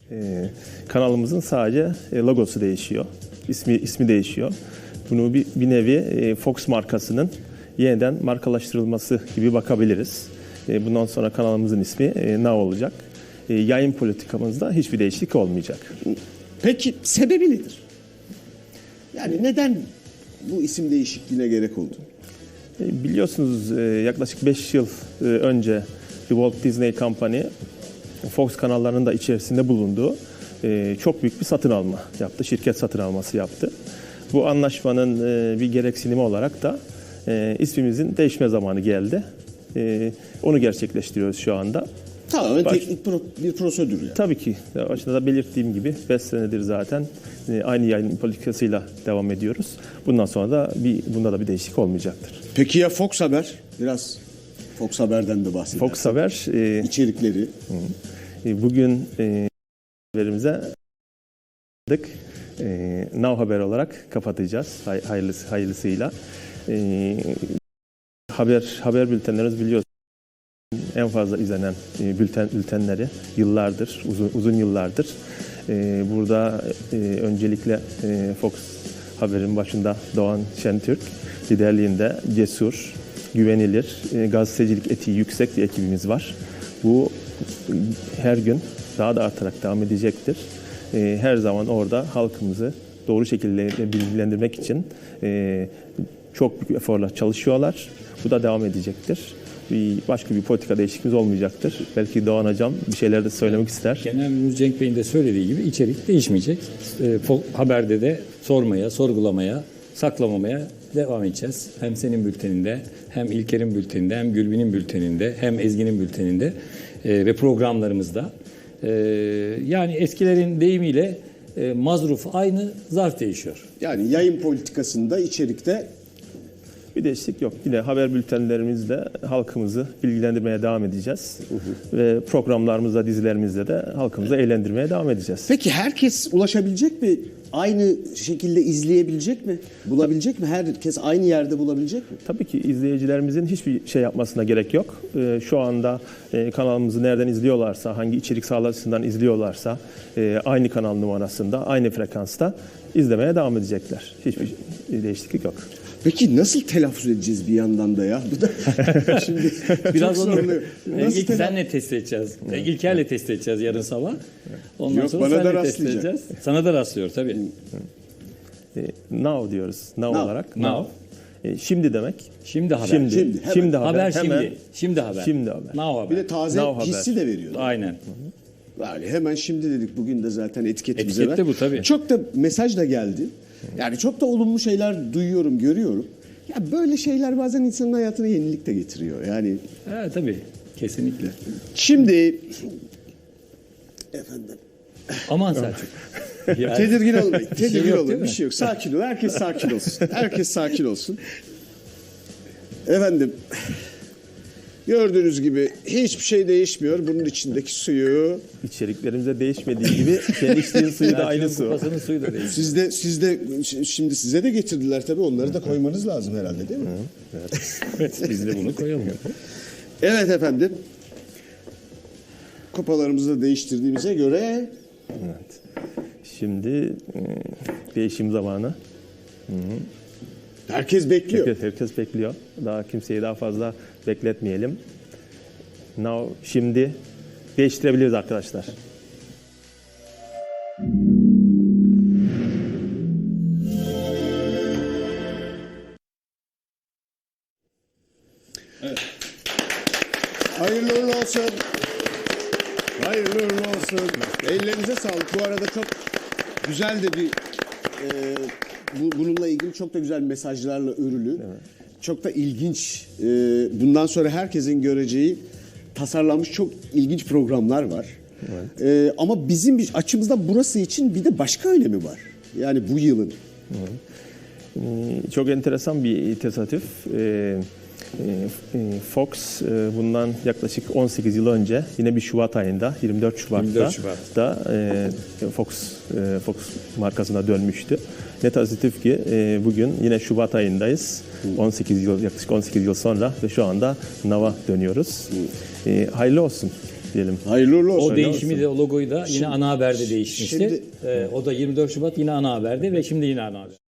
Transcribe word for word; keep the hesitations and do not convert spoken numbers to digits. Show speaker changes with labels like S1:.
S1: Ee, kanalımızın sadece e, logosu değişiyor. İsmi ismi değişiyor. Bunu bir, bir nevi e, Fox markasının yeniden markalaştırılması gibi bakabiliriz. E, bundan sonra kanalımızın ismi e, Now olacak. E, yayın politikamızda hiçbir değişiklik olmayacak.
S2: Peki sebebi nedir? Yani neden bu isim değişikliğine gerek oldu?
S1: E, biliyorsunuz e, yaklaşık beş yıl e, önce The Walt Disney Company Fox kanallarının da içerisinde bulunduğu e, çok büyük bir satın alma yaptı. Şirket satın alması yaptı. Bu anlaşmanın e, bir gereksinimi olarak da e, ismimizin değişme zamanı geldi. E, onu gerçekleştiriyoruz şu anda.
S2: Tamamen
S1: Baş...
S2: teknik pro- bir prosedür yani.
S1: Tabii ki. Başında da belirttiğim gibi beş senedir zaten e, aynı yayın politikasıyla devam ediyoruz. Bundan sonra da bir bunda da bir değişiklik olmayacaktır.
S2: Peki ya Fox Haber? Biraz Fox Haber'den de bahsedelim.
S1: Fox Haber e,
S2: içerikleri.
S1: E, bugün e, haberimize e, Now Haber olarak kapatacağız hay, hayırlısı, hayırlısıyla. E, haber haber bültenlerimiz biliyorsunuz en fazla izlenen e, bülten bültenleri yıllardır, uzun uzun yıllardır. E, burada e, öncelikle e, Fox Haber'in başında Doğan Şentürk liderliğinde cesur, güvenilir, e, gazetecilik etiği yüksek bir ekibimiz var. Bu her gün daha da artarak devam edecektir. E, her zaman orada halkımızı doğru şekilde bilgilendirmek için e, çok büyük eforla çalışıyorlar. Bu da devam edecektir. Bir, başka bir politika değişikliğimiz olmayacaktır. Belki Doğan Hocam bir şeyler de söylemek ister.
S3: Genel Müdür Cenk Bey'in de söylediği gibi içerik değişmeyecek. E, haberde de sormaya, sorgulamaya, saklamamaya devam edeceğiz. Hem senin bülteninde, hem İlker'in bülteninde, hem Gülbin'in bülteninde, hem Ezgi'nin bülteninde e, ve programlarımızda. E, yani eskilerin deyimiyle e, mazruf aynı, zarf değişiyor.
S2: Yani yayın politikasında, içerikte
S1: bir değişiklik yok. Yine haber bültenlerimizle halkımızı bilgilendirmeye devam edeceğiz. Hı hı. Ve programlarımızda, dizilerimizde de halkımızı eğlendirmeye devam edeceğiz.
S2: Peki herkes ulaşabilecek mi? Aynı şekilde izleyebilecek mi? Bulabilecek mi? Herkes aynı yerde bulabilecek mi?
S1: Tabii ki izleyicilerimizin hiçbir şey yapmasına gerek yok. Ee, şu anda e, kanalımızı nereden izliyorlarsa, hangi içerik sağlayıcısından izliyorlarsa e, aynı kanal numarasında, aynı frekansta izlemeye devam edecekler. Hiçbir değişiklik yok.
S2: Peki nasıl telaffuz edeceğiz bir yandan da ya? Bu da şimdi
S3: biraz
S2: çok
S3: onu
S2: nasıl
S3: ilk senle test edeceğiz. Evet. İlker'le test edeceğiz yarın sabah. Ondan
S2: Yok,
S3: sonra
S2: bana da
S3: test edeceğiz. Sana da rastlıyor tabii.
S1: E, now diyoruz. Now,
S2: now.
S1: olarak.
S3: Now.
S1: now. E, şimdi demek.
S3: Şimdi haber.
S1: Şimdi,
S2: şimdi,
S1: şimdi haber.
S3: Haber
S1: hemen,
S3: şimdi. Şimdi haber.
S1: Şimdi haber.
S3: Now haber.
S2: Bir de taze
S1: Now
S2: hissi
S1: haber.
S2: de veriyor.
S3: Aynen.
S2: Yani hemen şimdi dedik, bugün de zaten etiketimize
S3: Etiket de
S2: ver.
S3: bu tabii.
S2: Çok da mesaj da geldi. Yani çok da olumlu şeyler duyuyorum, görüyorum. Ya böyle şeyler bazen insanın hayatına yenilik de getiriyor. Yani
S3: Evet tabii. Kesinlikle.
S2: şimdi efendim
S3: Aman Selçuk. Yani-
S2: tedirgin olmayın.
S3: Bir şey
S2: Tedirgin
S3: yok,
S2: olmayın.
S3: değil
S2: Bir
S3: mi?
S2: şey yok. Sakin ol. Herkes sakin olsun. Herkes sakin olsun. Efendim gördüğünüz gibi hiçbir şey değişmiyor. Bunun içindeki suyu
S1: İçeriklerimize değişmediği gibi kendi içtiğin suyu da aynı
S3: Selçuk'un
S1: su.
S3: kupasının suyu da değil.
S2: siz de siz de şimdi size de getirdiler tabii. Onları da koymanız lazım herhalde, değil mi?
S3: Evet, biz de bunu koyalım.
S2: Evet efendim. Kupalarımızı da değiştirdiğimize göre
S1: Evet. Şimdi e, değişim zamanı.
S2: herkes bekliyor.
S1: Herkes, herkes bekliyor. Daha kimseyi daha fazla bekletmeyelim. Now, şimdi değiştirebiliriz arkadaşlar.
S2: Hayırlı uğurlu olsun. Hayırlı uğurlu olsun. Ellerinize sağlık. Bu arada çok güzel de bir e, bu, bununla ilgili çok da güzel mesajlarla örülü. Evet. Çok da ilginç. E, bundan sonra herkesin göreceği tasarlanmış çok ilginç programlar var. Evet. E, ama bizim bir açımızda burası için bir de başka önemi var. Yani bu yılın.
S1: Evet. Ee, çok enteresan bir tesadüf. Ee, Fox bundan yaklaşık on sekiz yıl önce yine bir Şubat ayında yirmi dört Şubat'ta da Fox Fox markasına dönmüştü. Ne tesadüf ki bugün yine Şubat ayındayız. on sekiz yıl yaklaşık on sekiz yıl sonra ve şu anda Now'a dönüyoruz. Hayırlı olsun. diyelim.
S2: Hayırlı uğurlu olsun.
S3: O değişimi de, o logoyu da yine Ana Haber'de değişmişti.
S2: şimdi-
S3: Ee, o da yirmi dört Şubat yine Ana Haber'de ve şimdi yine Ana Haber.